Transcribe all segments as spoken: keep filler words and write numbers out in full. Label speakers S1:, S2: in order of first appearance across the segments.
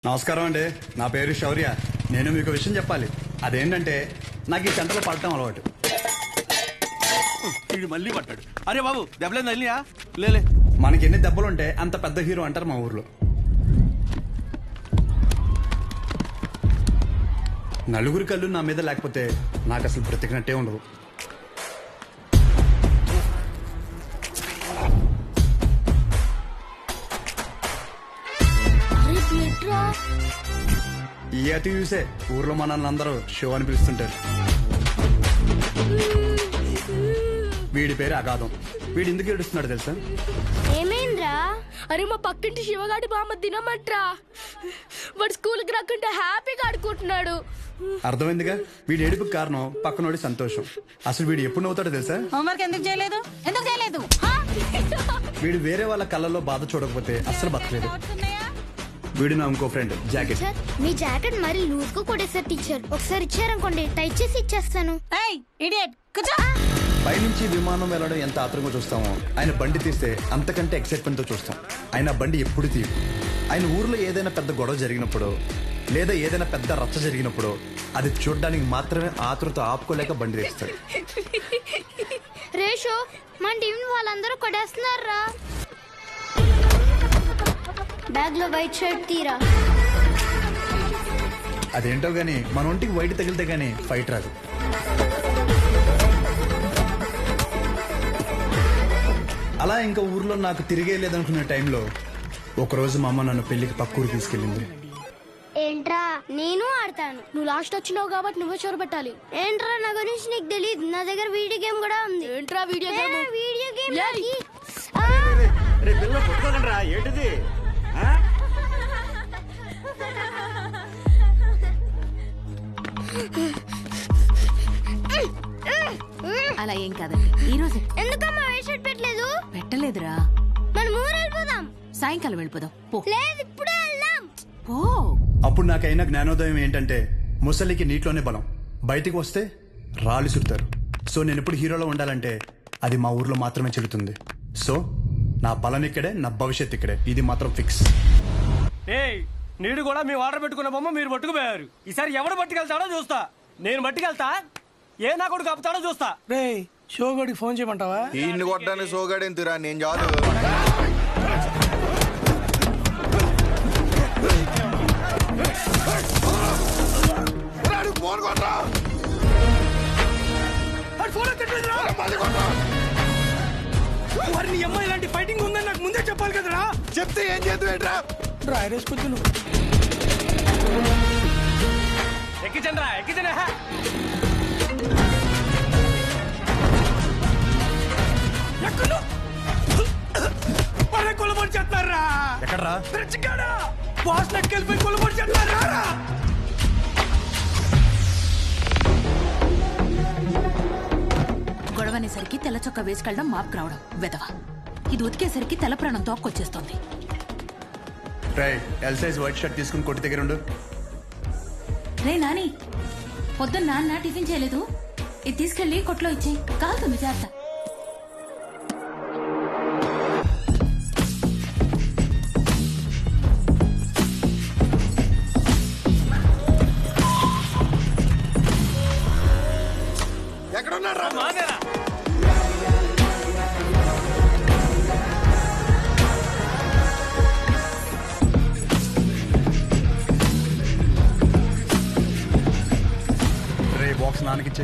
S1: నమస్కారం అండి. నా పేరు శౌర్య. నేను మీకు విషయం చెప్పాలి. అదేంటంటే నాకు ఈ చెంటలో పడటం అలవాటు.
S2: వీడు మళ్ళీ పట్టాడు. అరే బాబు దెబ్బలేదు తగిలియా? లేలే.
S1: మనకి ఎన్ని దెబ్బలుంటే అంత పెద్ద హీరో అంటారు మా ఊర్లో. నలుగురి కళ్ళు నా మీద లేకపోతే నాకు అసలు బ్రతికినట్టే ఉండదు. ఈ అతి చూసే ఊర్లో మనల్ని అందరూ షో అని పిలుస్తుంటారు. వీడి పేరు అగాధం. వీడు ఎందుకు ఏడుస్తున్నాడు తెలుసా?
S3: ఏమైందిరా? అరే మా పక్కింటి శివగాడి బామ్మ తినమంట్రా. వాడు స్కూల్కి రాకుంటే హ్యాపీగా ఆడుకుంటున్నాడు.
S1: అర్థమైందిగా. వీడి ఏడుపుకి కారణం పక్కనోడి సంతోషం. అసలు వీడు ఎప్పుడు నవ్వుతాడో తెలుసా?
S4: హోంవర్క్ ఎందుకు చేయలేదు ఎందుకు చేయలేదు
S1: వీడు వేరే వాళ్ళ కళ్ళల్లో బాధ చూడకపోతే అస్సలు బతకలేదు. వీడు నా ఇంకో ఫ్రెండ్ జాకెట్.
S3: సార్ మీ జాకెట్ మరి లూజ్ గా కొట్టేసారు టీచర్. ఒకసారి ఇచ్చారనుకోండి టైట్ చేసి ఇచ్చేస్తాను.
S4: ఏయ్ ఇడియట్ కూర్చో.
S1: పైనుంచి విమానం వెళ్ళడం ఎంత ఆత్రంగా చూస్తామో ఆయన బండి తీస్తే అంతకంటే ఎక్సైట్మెంట్ తో చూస్తాం. ఆయన బండి ఎప్పుడు తీయు. ఆయన ఊర్లో ఏదైనా పెద్ద గొడవ జరిగినప్పుడు లేదా ఏదైనా పెద్ద రచ్చ జరిగినప్పుడు అది చూడడానికి మాత్రమే ఆతృత ఆపుకోలేక బండి తీస్తాడు.
S3: రేషో మన టీం వాళ్ళందరూ కొట్టేస్తున్నారా? బ్యాగ్ లో వైట్ షర్ట్ తీరా.
S1: అదేంటో గానీ మన ఒంటికి వైట్ తగిలితే గానీ ఫైట్ రాదు. అలా ఇంకా ఊర్లో నాకు తిరిగే లేదనుకునే టైంలో ఒకరోజు మా అమ్మ నన్ను పెళ్లికి పక్కూరు తీసుకెళ్ళింది.
S3: ఏంట్రా నేను ఆడతాను. నువ్వు లాస్ట్ వచ్చినావు కాబట్టి నువ్వే చోరు పెట్టాలి. ఏంట్రా నా గురించి నీకు తెలియదు. నా దగ్గర వీడియో గేమ్ కూడా ఉంది. ఏంట్రా వీడియో గేమ్? వీడియో గేమ్
S2: ఏంటిది?
S4: అలా ఏం కాదండి. ఈ రోజు
S3: ఎందుకమ్మా వైట్ షర్ట్ పెట్టలేదు?
S4: పెట్టలేదురా.
S3: మనం ఊరు వెళ్ళిపోదాం.
S4: సాయంకాలం వెళ్ళిపోదాం పో.
S3: లేదు ఇప్పుడే వెళ్దాం.
S4: పో.
S1: అప్పుడు నాకైనా జ్ఞానోదయం ఏంటంటే ముసలికి నీటిలోనే బలం. బయటికి వస్తే రాళ్ళు చుడతారు. సో నేను ఎప్పుడు హీరోలో ఉండాలంటే అది మా ఊర్లో మాత్రమే చెల్లుతుంది. సో నా బలం ఇక్కడే, నా భవిష్యత్ ఇక్కడే. ఇది మాత్రం ఫిక్స్.
S2: ఏయ్ నీడు కూడా మీ ఆర్డర్ పెట్టుకున్న బొమ్మ మీరు పట్టుకుపోయారు. ఈసారి ఎవడు పట్టుకెళ్తాడో చూస్తా. నేను పట్టుకెళ్తా. ఏ నా కొడుకు కప్పుతాడో చూస్తా.
S5: రే షోగడికి ఫోన్ చేయమంటావా?
S6: ఈయన్ని కొట్టడానికి సోగాడేంతురా నేను చాలు.
S5: వారిని అమ్మాయి ఇలాంటి ఫైటింగ్ ఉందని నాకు ముందే చెప్పాలి కదరా.
S6: చెప్తే ఏం చేద్దాం?
S5: డ్రైరేసుకొచ్చు నువ్వు.
S2: ఎక్కిచండ్రా ఎక్కిచండి. కొలబడి చేస్తారా?
S1: ఎక్కడ్రా?
S2: బాస్ నెక్కెళ్ళిపోయి కొలబడి చేస్తారా?
S4: గొడవనేసరికి తెల్ల చొక్క వేసుకెళ్ళడం మాపుకు రావడం వెదవ. ఇది ఉతికేసరికి తెల్ల ప్రాణం తోక్కొచ్చేస్తోంది.
S1: రై ఎల్ సైజ్ వైట్ షర్ట్ తీసుకుని కొట్టి దగ్గర ఉండు.
S4: రే నాని, పొద్దున్న నాన్న టిఫిన్ చేయలేదు. ఇది తీసుకెళ్లి కొట్లో ఇచ్చేయి. కాలుతుంది జాగ్రత్త.
S6: ఎక్కడున్నారా?
S1: రే బాక్స్ నాన్నకిచ్చే.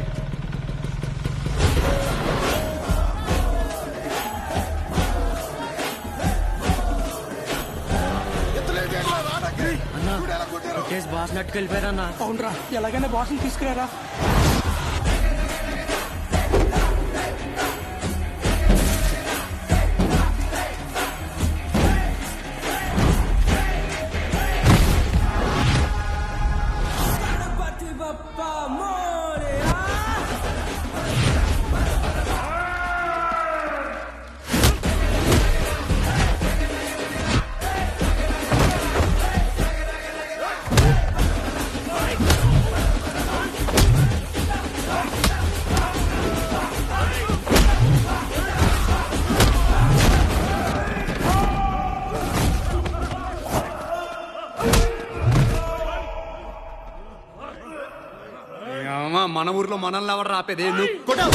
S2: బాస్ నెట్టుకెళ్ళిపోయారన్నా.
S5: అవునరా, ఎలాగైనా బాస్ని తీసుకురారా.
S7: మన ఊర్లో మనల్ని ఎవరు రాపేది నువ్వు కొట్టు.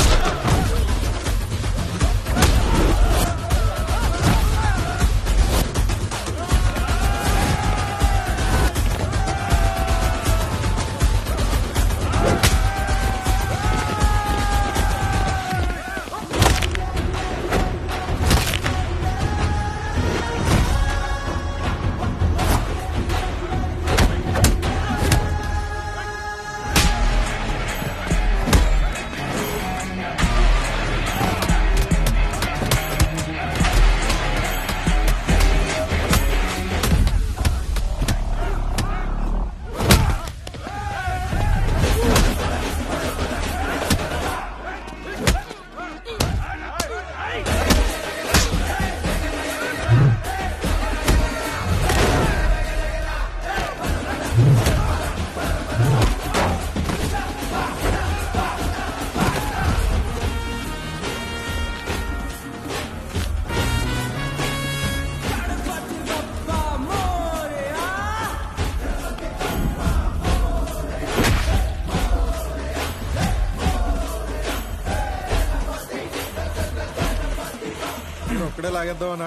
S6: ఒక్కడే లాగేద్దామనా?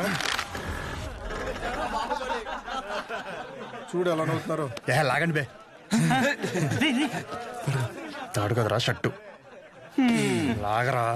S6: చూడు ఎలా నవ్వుతున్నారు.
S1: ఏ లాగండి బే. తాడు కదరా షట్టు లాగరా.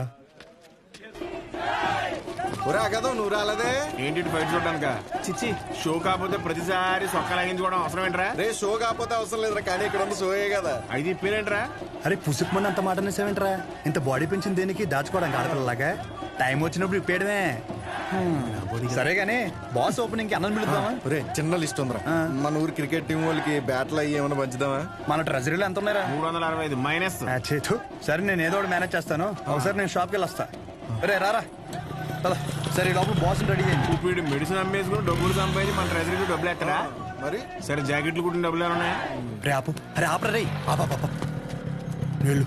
S6: ఒరే ఆగదావు, నువ్వు రాలేదే.
S8: ఏంటి బయట చూడడానిక? చిచ్చి, షో కాకపోతే ప్రతిసారి సొక్క లాగించుకోవడం అవసరం ఏంట్రా?
S6: రే షో కాకపోతే అవసరం లేదురా, కానీ ఇక్కడ ఉంది షోయే కదా.
S8: ఐదు పేరేంట్రా?
S1: అరే పుసుకు మంది అంత మాట అనేసేవేంట్రా? ఇంత బాడీ పెంచింది దేనికి? దాచుకోవడానికి ఆడపిల్లలాగా. టైం వచ్చినప్పుడు ఇప్పేయడమే. సరే గానీ బాస్ ఓపెనింగ్ కి అన్నం పిలుద్దామా?
S6: ఒరే చిన్న లిస్ట్ ఉందిరా. మన ఊరు క్రికెట్ టీం వాళ్ళకి బ్యాట్లు అయ్యి ఏమైనా పంచుదామా?
S1: మన ట్రెజరీలో ఎంత ఉన్నారా?
S8: మూడు వందల అరవై ఐదు మైనస్.
S1: ఆ, చేతు. సరే నేను ఏదో ఒకటి మేనేజ్ చేస్తాను. ఒకసారి నేను షాప్కి వెళ్ళి వస్తా. రే రారా. పద. సరే ఈ లోపల బాస్ రెడీ అయ్యింది.
S8: ఇప్పుడు మెడిసిన్ అమ్మేసుకుని డబ్బులు సంపాదించి మన ట్రెజరీకి డబ్బులు ఎక్కడా?
S6: మరి
S8: సరే జాకెట్లు కుట్టిన డబ్బులు ఏమైనా ఉన్నాయా?
S1: రే ఆపు. అరే ఆపరా రే. ఆపా పాప వెళ్ళు.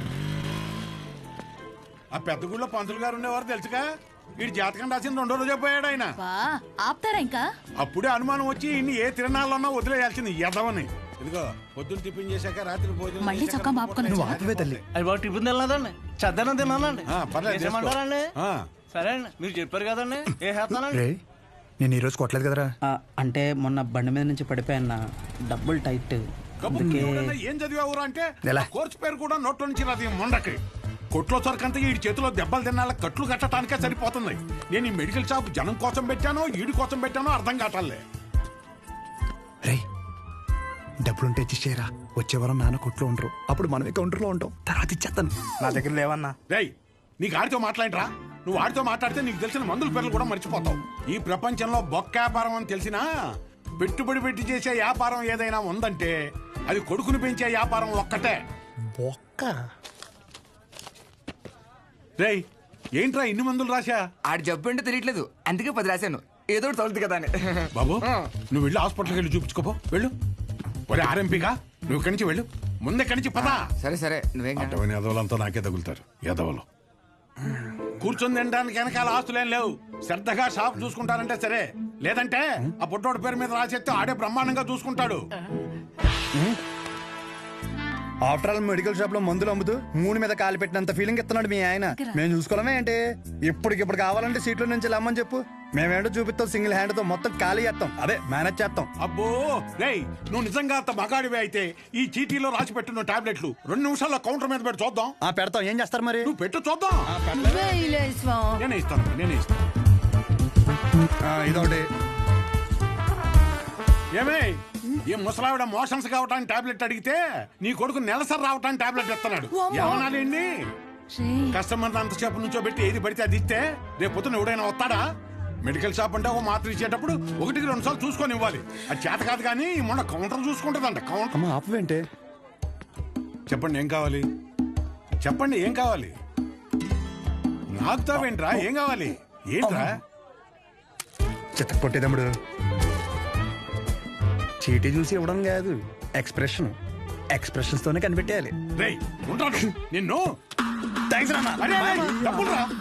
S9: ఆ పెద్ద గుళ్ళో పంతులు గారు ఉండేవారు తెలుసుగా. వీడి జాతకం రాసింది రెండో రోజే పోయాడు ఆయన.
S4: ఆపుతారా ఇంకా?
S9: అప్పుడే అనుమానం వచ్చి ఇన్ని ఏ తిరణాలన్నా వదిలేయాల్సింది ఎదవని. ఇదిగో పొద్దున్న టిఫిన్ చేశాక రాత్రి భోజనం
S4: మళ్ళీ చొక్కా మాపుకొని
S1: నువ్వు ఆపవే తల్లి.
S2: అది బాగా టిఫిన్ తినలేదండి, చద్దనం తిన్నానండి.
S9: ఆ, పర్లేదు, చేసుకో.
S2: చేసేయమంటారండి?
S9: ఆ.
S2: సరే అండి, మీరు చెప్పారు కదండి, ఏ చేస్తానండి.
S1: రే నేను ఈరోజు కొట్టలేదు కదరా.
S5: ఆ, అంటే మొన్న బండి మీద నుంచి పడిపోయాన్న, డబ్బులు టైట్.
S9: కబుర్లు ఎవడన్నా ఏం చదివావురా అంటే
S1: ఎలా?
S9: ఆ కోర్సు పేరు కూడా నోట్లో నుంచి రాదు. ఈ మొండకి కొట్లో సరికంతా ఈ చేతిలో దెబ్బలు తినాల కట్లు కట్టడానికే సరిపోతుంది. నేను ఈ మెడికల్ షాప్ జనం కోసం పెట్టానో ఈడి కోసం పెట్టానో అర్థం కావట్లే.
S1: రే డబ్బులుంటే ఇచ్చేరా. వచ్చే వారం నాన్న కొట్లో ఉండరు, అప్పుడు మనమే కౌంటర్లో ఉంటాం. తర్వాత ఇచ్చేస్తాను.
S5: నా దగ్గర లేవన్నా.
S9: రేయ్ నీకు ఆడితో మాట్లాడరా? నువ్వు ఆడితో మాట్లాడితే నీకు తెలిసిన మందుల పేర్లు కూడా మర్చిపోతావు. ఈ ప్రపంచంలో బొక్క వ్యాపారం అని తెలిసినా పెట్టుబడి పెట్టి చేసే వ్యాపారం ఏదైనా ఉందంటే అది కొడుకుని పెంచే వ్యాపారం ఒక్కటే.
S1: బొక్క.
S9: రేయ్ ఏంట్రా ఇన్ని మందులు రాశా?
S10: ఆడి జబ్బు ఏంటో తెలియట్లేదు, అందుకే పది రాశాను. ఏదో ఒకటి తగులుతుంది కదా అని.
S9: బాబు నువ్వు వెళ్ళి హాస్పిటల్కి వెళ్ళి చూపించుకోపో. వెళ్ళు. ఒరే ఆర్ఎంపీగా నువ్వు ఇక్కడి నుంచి వెళ్ళు. ముందే ఇక్కడి నుంచి పదా.
S10: సరే సరే నువ్వేం కాదు.
S9: అటువంటి ఎదవలంతా నాకే తగులుతారు. ఎదవలు కూర్చొని తినడానికి వెనకాల ఆస్తులేం లేవు. శ్రద్ధగా షాప్ చూసుకుంటారంటే సరే, లేదంటే ఆ పుట్టోడు పేరు మీద రాసేస్తే ఆడే బ్రహ్మాండంగా చూసుకుంటాడు.
S1: ఆఫ్టర్ ఆల్ మెడికల్ షాప్ లో మందులు అమ్ముతూ మూడు మీద కాలు పెట్టినంత ఫీలింగ్ ఇస్తున్నాడు మీ ఆయన. మేము చూసుకోవడమే ఏంటి? ఇప్పటికిప్పుడు కావాలంటే సీట్లో నుంచి లమ్మని చెప్పు, మేమేంటో చూపిస్తాం. సింగిల్ హ్యాండ్ తో మొత్తం ఖాళీ చేస్తాం, అదే మేనేజ్ చేస్తాం.
S9: అబ్బో రేయ్ నువ్వు నిజంగా అంత మగాడివే అయితే ఈ చీటీలో రాసి పెట్టున్న టాబ్లెట్లు రెండు నిమిషాల్లో కౌంటర్ మీద పెట్టి చూద్దాం.
S1: ఆ పెడతాం. ఏం చేస్తారు మరి?
S9: నువ్వు పెట్టు చూద్దాం. నేనే ఇస్తాను నేనే ఇస్తాను.
S1: ఆ, ఇదొకటి.
S9: ఏమే ఈ ముసలావిడ మోషన్స్ కావటానికి టాబ్లెట్ అడిగితే నీ కొడుకు నెలసరి రావటానికి టాబ్లెట్ ఇస్తున్నాడు. ఏమనాలండి? కస్టమర్ అంతసేపు నుంచో పెట్టి ఏది పడితే అది ఇస్తే రేపు పొద్దున ఎవడైనా వస్తాడా? మెడికల్ షాప్ అంటే ఒక మాత్ర ఇచ్చేటప్పుడు ఒకటికి రెండు సార్లు చూసుకొని ఇవ్వాలి. అది చేత కాదు కానీ మొన్న కౌంటర్ చూసుకుంటుందంట. కౌంటర్.
S1: అమ్మ ఆపవేంటే?
S9: చెప్పండి ఏం కావాలి? చెప్పండి ఏం కావాలి? నాకుతావేంట్రా? ఏం కావాలి? ఏంట్రా?
S1: చిత్త కొట్టేదమ్ముడు. చీటీ చూసి ఇవ్వడం కాదు, ఎక్స్ప్రెషన్. ఎక్స్ప్రెషన్స్ తోనే కనిపెట్టేయాలి.
S9: రేయ్ ఉంటాడు నిన్ను.
S1: థ్యాంక్స్
S9: అరే, అరే, డబ్బులు రా.